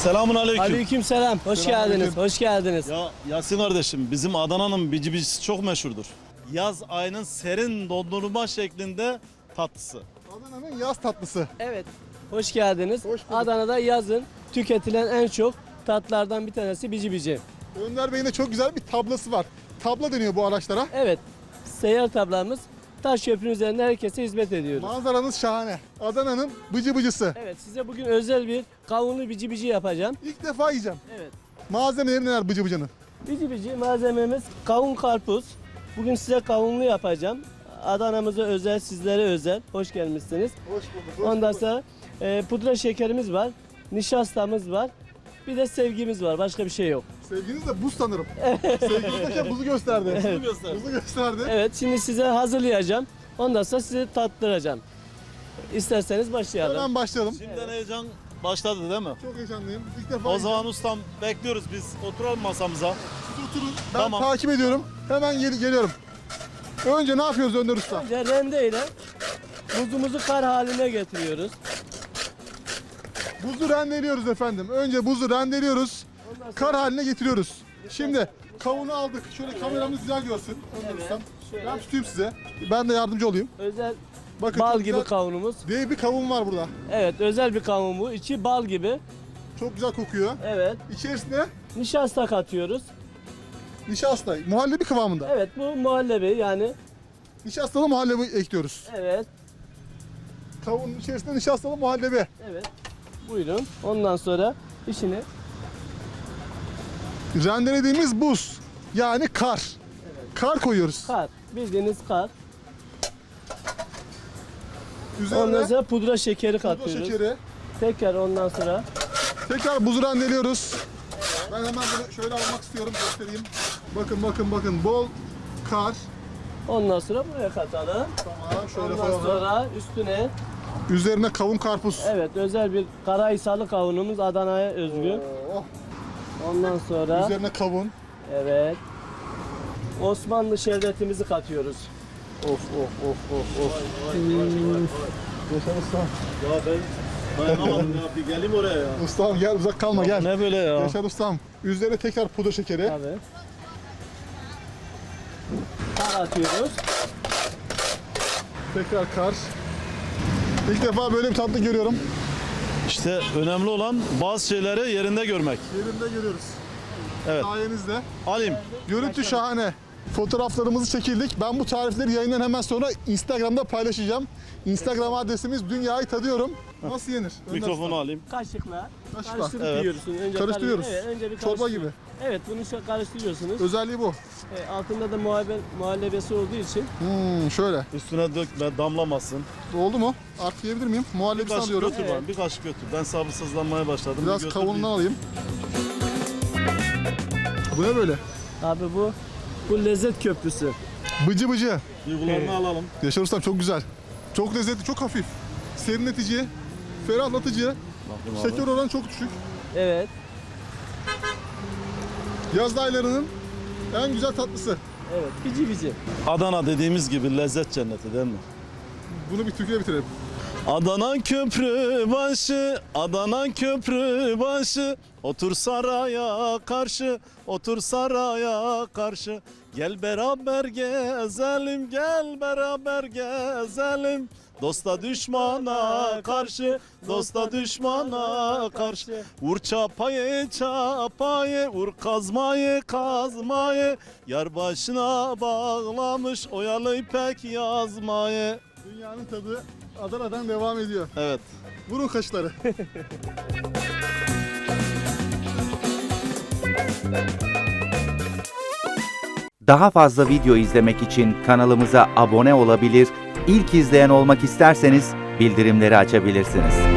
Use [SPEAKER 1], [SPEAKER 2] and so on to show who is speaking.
[SPEAKER 1] Selamun aleyküm.
[SPEAKER 2] Aleykümselam. Hoş geldiniz. Hoş geldiniz.
[SPEAKER 1] Ya Yasin kardeşim, bizim Adana'nın bici bicisi çok meşhurdur. Yaz ayının serin dondurma şeklinde tatlısı.
[SPEAKER 3] Adana'nın yaz tatlısı.
[SPEAKER 2] Evet. Hoş geldiniz.
[SPEAKER 3] Hoş bulduk.
[SPEAKER 2] Adana'da yazın tüketilen en çok tatlardan bir tanesi bici bici.
[SPEAKER 3] Önder Bey'in de çok güzel bir tablası var. Tabla deniyor bu araçlara.
[SPEAKER 2] Evet. Seyyar tablamız taş köprünün üzerinde herkese hizmet ediyoruz.
[SPEAKER 3] Manzaranız şahane. Adana'nın bıcı bıcısı.
[SPEAKER 2] Evet, size bugün özel bir kavunlu bici bici yapacağım.
[SPEAKER 3] İlk defa yiyeceğim.
[SPEAKER 2] Evet.
[SPEAKER 3] Malzemeleri neler bıcı bıcının?
[SPEAKER 2] Bici bici malzememiz kavun karpuz. Bugün size kavunlu yapacağım. Adana'mıza özel, sizlere özel. Hoş gelmişsiniz.
[SPEAKER 3] Hoş bulduk.
[SPEAKER 2] Ondan sonra pudra şekerimiz var. Nişastamız var. Bir de sevgimiz var. Başka bir şey yok.
[SPEAKER 3] Sevginiz de buz sanırım. Sevginiz derken buzu gösterdi. Buzu gösterdi.
[SPEAKER 2] Evet, şimdi size hazırlayacağım. Ondan sonra size tattıracağım. İsterseniz başlayalım.
[SPEAKER 3] Hemen başlayalım.
[SPEAKER 1] Şimdiden heyecan başladı değil mi?
[SPEAKER 3] Çok heyecanlıyım. İlk defa
[SPEAKER 1] O zaman ustam bekliyoruz biz. Oturalım masamıza.
[SPEAKER 3] siz oturun. Ben
[SPEAKER 1] Tamam.
[SPEAKER 3] takip ediyorum. Hemen geliyorum. Önce ne yapıyoruz Önder Usta?
[SPEAKER 2] Önce rende ile buzumuzu kar haline getiriyoruz.
[SPEAKER 3] Buzu rendeliyoruz efendim. Önce buzu rendeliyoruz.
[SPEAKER 2] Ondan sonra
[SPEAKER 3] Kar haline getiriyoruz. Şimdi kavunu aldık. Şöyle kameramız güzel görsün. Önder
[SPEAKER 2] Evet,
[SPEAKER 3] Ustam.
[SPEAKER 2] şöyle.
[SPEAKER 3] Ben tutayım size. Ben de yardımcı olayım.
[SPEAKER 2] özel
[SPEAKER 3] Bakın
[SPEAKER 2] bal
[SPEAKER 3] çok
[SPEAKER 2] gibi
[SPEAKER 3] güzel
[SPEAKER 2] kavunumuz.
[SPEAKER 3] dev bir kavun var burada.
[SPEAKER 2] Evet, özel bir kavun bu. İçi bal gibi.
[SPEAKER 3] Çok güzel kokuyor.
[SPEAKER 2] Evet.
[SPEAKER 3] İçerisine
[SPEAKER 2] Nişasta katıyoruz.
[SPEAKER 3] nişasta, muhallebi kıvamında.
[SPEAKER 2] Evet, bu muhallebi yani.
[SPEAKER 3] Nişastalı muhallebi ekliyoruz.
[SPEAKER 2] Evet.
[SPEAKER 3] Kavunun içerisinde nişastalı muhallebi.
[SPEAKER 2] Evet. Buyurun. Ondan sonra işini
[SPEAKER 3] Rendelediğimiz buz. Yani kar. Kar koyuyoruz.
[SPEAKER 2] kar. Bildiğiniz kar.
[SPEAKER 3] Üzerine
[SPEAKER 2] Ondan sonra pudra şekeri
[SPEAKER 3] pudra
[SPEAKER 2] katıyoruz.
[SPEAKER 3] şekeri.
[SPEAKER 2] Tekrar ondan sonra
[SPEAKER 3] Tekrar buzu rendeliyoruz. Ben hemen bunu şöyle almak istiyorum, göstereyim. Bakın. Bol kar.
[SPEAKER 2] ondan sonra buraya katalım.
[SPEAKER 3] Tamam, şöyle
[SPEAKER 2] Ondan
[SPEAKER 3] koyalım.
[SPEAKER 2] sonra üstüne
[SPEAKER 3] Üzerine kavun karpuz.
[SPEAKER 2] evet özel bir Karahisarlı kavunumuz Adana'ya özgü.
[SPEAKER 3] Oh.
[SPEAKER 2] Ondan sonra
[SPEAKER 3] Üzerine kavun.
[SPEAKER 2] evet Osmanlı şerbetimizi katıyoruz. Of.
[SPEAKER 3] Yaşar ustam.
[SPEAKER 1] Ya ben dayanamadım ya. Bir geleyim oraya ya.
[SPEAKER 3] Ustam gel, uzak kalma gel.
[SPEAKER 1] Ne böyle ya?
[SPEAKER 3] Yaşar ustam. Üzerine tekrar pudra şekeri.
[SPEAKER 2] Tabii. Kar atıyoruz.
[SPEAKER 3] Tekrar kar. İlk defa böyle bir tatlı görüyorum.
[SPEAKER 1] İşte önemli olan bazı şeyleri yerinde görmek.
[SPEAKER 3] Yerinde görüyoruz.
[SPEAKER 1] Evet.
[SPEAKER 3] Sayenizde.
[SPEAKER 1] Alayım.
[SPEAKER 3] Görüntü şahane. Fotoğraflarımızı çekildik. Ben bu tarifleri yayından hemen sonra Instagram'da paylaşacağım. Instagram adresimiz Dünyayı Tadıyorum. Nasıl yenir? Önder
[SPEAKER 1] Mikrofonu
[SPEAKER 3] Usta.
[SPEAKER 1] alayım.
[SPEAKER 2] Kaşıkla
[SPEAKER 3] Kaşıkla.
[SPEAKER 2] karıştırıp
[SPEAKER 1] Evet.
[SPEAKER 2] yiyorsun. Önce
[SPEAKER 3] Karıştırıyoruz.
[SPEAKER 2] Evet, önce bir
[SPEAKER 3] Çorba
[SPEAKER 2] karıştır-
[SPEAKER 3] gibi.
[SPEAKER 2] Evet, bunu karıştırıyorsunuz.
[SPEAKER 3] Özelliği bu.
[SPEAKER 2] Altında da muhallebesi olduğu için
[SPEAKER 3] Şöyle.
[SPEAKER 1] Üstüne dökme, damlamasın.
[SPEAKER 3] Oldu mu? Artık yiyebilir miyim?
[SPEAKER 1] Bir
[SPEAKER 3] Muhallebisini
[SPEAKER 1] kaşık
[SPEAKER 3] alıyorum.
[SPEAKER 1] götür bana, bir kaşık götür. Ben sabırsızlanmaya başladım. Bir
[SPEAKER 3] Biraz
[SPEAKER 1] götür,
[SPEAKER 3] kavunundan
[SPEAKER 1] bir-
[SPEAKER 3] alayım. Bu ne böyle?
[SPEAKER 2] abi bu lezzet köprüsü.
[SPEAKER 3] Bıcı bıcı.
[SPEAKER 1] Duygularını alalım.
[SPEAKER 3] Yaşar ustam çok güzel. Çok lezzetli, çok hafif. Serinletici, ferahlatıcı.
[SPEAKER 1] Bakayım abi.
[SPEAKER 3] Şeker oranı çok düşük.
[SPEAKER 2] Evet.
[SPEAKER 3] Yaz aylarının en güzel tatlısı.
[SPEAKER 2] Evet. Bici bici.
[SPEAKER 1] Adana dediğimiz gibi lezzet cenneti değil mi?
[SPEAKER 3] Bunu bir türküye bitirelim.
[SPEAKER 1] Adana köprü başı, Adana köprü başı. Otur saraya karşı, otur saraya karşı. Gel beraber gezelim, gel beraber gezelim. Dosta düşmana karşı, dosta düşmana karşı. Vur çapayı çapayı, vur kazmayı kazmayı. Yar başına bağlamış oyalı ipek yazmayı.
[SPEAKER 3] Dünyanın tadı Adana'dan devam ediyor.
[SPEAKER 1] Evet.
[SPEAKER 3] Vurun kaşları.
[SPEAKER 4] Daha fazla video izlemek için kanalımıza abone olabilir, ilk izleyen olmak isterseniz bildirimleri açabilirsiniz.